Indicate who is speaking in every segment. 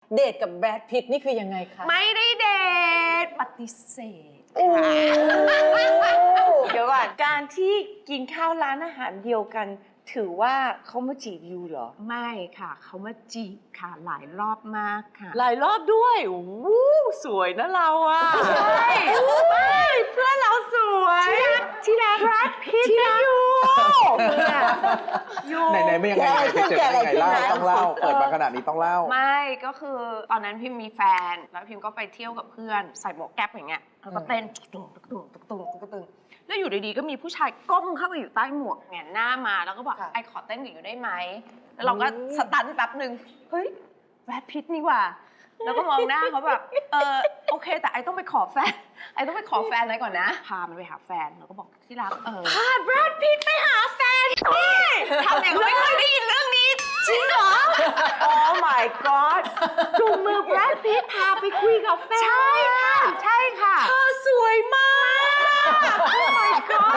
Speaker 1: เดทกับแบรดพิตต์นี่คือยังไงคะ
Speaker 2: ไม่ได้เดทปฏิเสธ
Speaker 3: เดี๋ยวก่อนการที่กินข้าวร้านอาหารเดียวกันถือว่าเขามาจีบยูเหรอ
Speaker 2: ไม่ค่ะเขามาจีบค่ะหลายรอบมากค่ะ
Speaker 3: หลายรอบด้วยวู้สวยนะเราอ่ะใช่เพื่อนเราสวยที่รักแบรดพิตต์นะยู
Speaker 4: ไหนไม่ยังไงไปเจอยังไงเล่าต้องเล่าเปิดมาขนาดนี้ต้องเล่า
Speaker 2: ไม่ก็คือตอนนั้นพิมมีแฟนแล้วพิมก็ไปเที่ยวกับเพื่อนใส่หมวกแก๊ปอย่างเงี้ยแล้วก็เต้นตุ้งตุ้งตุ้งตุ้งตุ้งตุ้งแล้วอยู่ดีๆก็มีผู้ชายก้มเข้าไปอยู่ใต้หมวกแงนหน้ามาแล้วก็บอกไอขอเต้นกับอยู่ได้ไหมแล้วเราก็สตันแป๊บนึงเฮ้ยแบรดพิตต์นี่ว่าแล้วก็มองหน้าเขาแบบโอเคแต่ไอต้องไปขอแฟนไอต้องไปขอแฟนอะไรก่อนนะพามันไปหาแฟนแล้วก็บอกที่รัก
Speaker 3: พาแบรดพิตต์ไปหาแฟน
Speaker 2: ทำอย่างไม่เคยได้ยินเรื่องนี้จริงเหรอ
Speaker 3: Oh my god จูงมือแบรดพิตต์พาไปคุยกับแฟน
Speaker 2: ใช่ค่ะใช่ค่ะ
Speaker 3: เธอสวยมาก Oh my god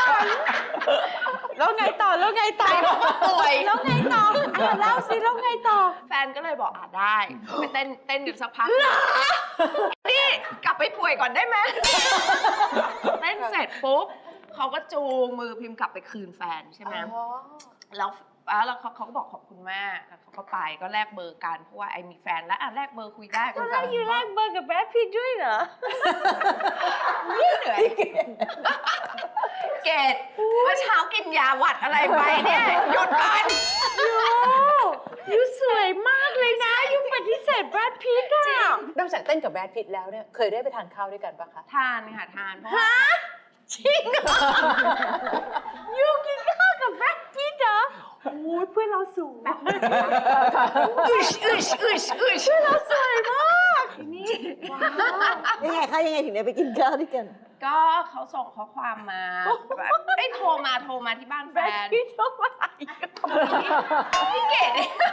Speaker 3: แล้วไงต่อแล้วไงต่อ
Speaker 2: ป่วย
Speaker 3: แล้วไงต่อเล่าสิแล้วไงต่อ
Speaker 2: แฟนก็เลยบอกได้ไปเต้นอยู่สักพักนี่กลับไปป่วยก่อนได้ไหมเต้นเสร็จปุ๊บเขาก็จูงมือพิมพ์กลับไปคืนแฟนใช่ไหมแล้วเขาก็บอกขอบคุณมากแล้วเขาก็ไปก็แลกเบอร์กันเพราะว่าไอมีแฟนแล้วแลกเบอร์คุยได้
Speaker 3: ก็แล้วอยู่แลกเบอร์กับแบรดพิตต์ด้วยเหรอ
Speaker 2: เหนื่อยเกดเมื่อเช้ากินยาหวัดอะไรไปเนี่ยหยุดก่อน
Speaker 3: ยูสวยมากเลยนะยูปฏิเสธแบรดพิตต์อ่ะ
Speaker 1: นอกจากเต้นกับแบรดพิตต์แล้วเนี่ยเคยได้ไปทานข้าวด้วยกันปะคะ
Speaker 2: ทานค่ะทานเพราะ
Speaker 3: จริงเหรอยูกินข้าวกับแบรดพิตต์เหรอโอ้ยเพื่อนเราสวย
Speaker 2: อึชเพื่
Speaker 3: อนเราสวยมากนี่
Speaker 5: ยังไงคะยังไงถึงได้ไปกินข้าวด้วยกัน
Speaker 2: ก็เขาส่งข้อความมาแบบโทรมาที่บ้านแฟน
Speaker 3: พี่โทรมา
Speaker 2: พี่เกด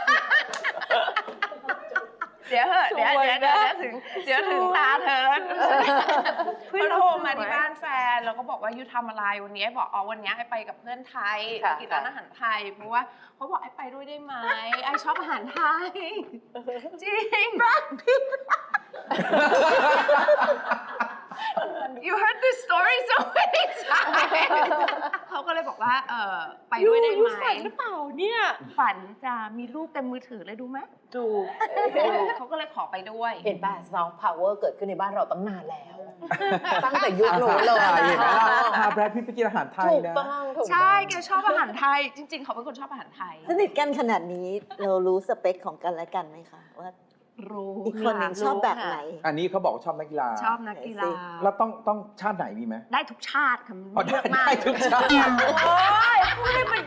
Speaker 2: เดี๋ยวถึงตาเธอเขาโทรมาที่บ้านแฟนแล้วก็บอกว่ายูทำอะไรวันนี้บอกวันนี้ไอไปกับเพื่อนไทยกินร้านอาหารไทยเพราะว่าเขาบอกไอไปด้วยได้ไหมไอชอบอาหารไทยจริง You heard this story so many times เขาก็เลยบอกว่าไปด้วยได้ไหม
Speaker 3: ฝันหรือเปล่าเนี่ย
Speaker 2: ฝันจะมีรูปเต็มมือถือเลยดูไหม
Speaker 3: ดู
Speaker 2: เขาก็เลยขอไปด้วย
Speaker 1: เห็นป่ะ Soft Power เกิดขึ้นในบ้านเราตั้งนานแล้วตั้งแต่ยุคโน้นเลย
Speaker 4: เห็นไหมล่ะพาแบรดพิตต์ไปกินอาหารไทย
Speaker 1: ถูก
Speaker 4: นะ
Speaker 1: ต้อง
Speaker 2: ใช่แกชอบอาหารไทยจริงๆเขาเป็นคนชอบอาหารไทย
Speaker 5: สนิทกันขนาดนี้เรารู้สเปคของกันและกันไหมคะว่า
Speaker 2: รู้
Speaker 5: อีกคนหนึ่งชอบแบบไหน
Speaker 4: อันนี้เขาบอกชอบนักกีฬา
Speaker 2: ชอบนักกีฬา
Speaker 4: แล้วต้องชาติไหนมีไหม
Speaker 2: ได้ทุกชาติค่ะ
Speaker 4: ได้ทุกชาติ
Speaker 3: โอ้ยพูดให้มัน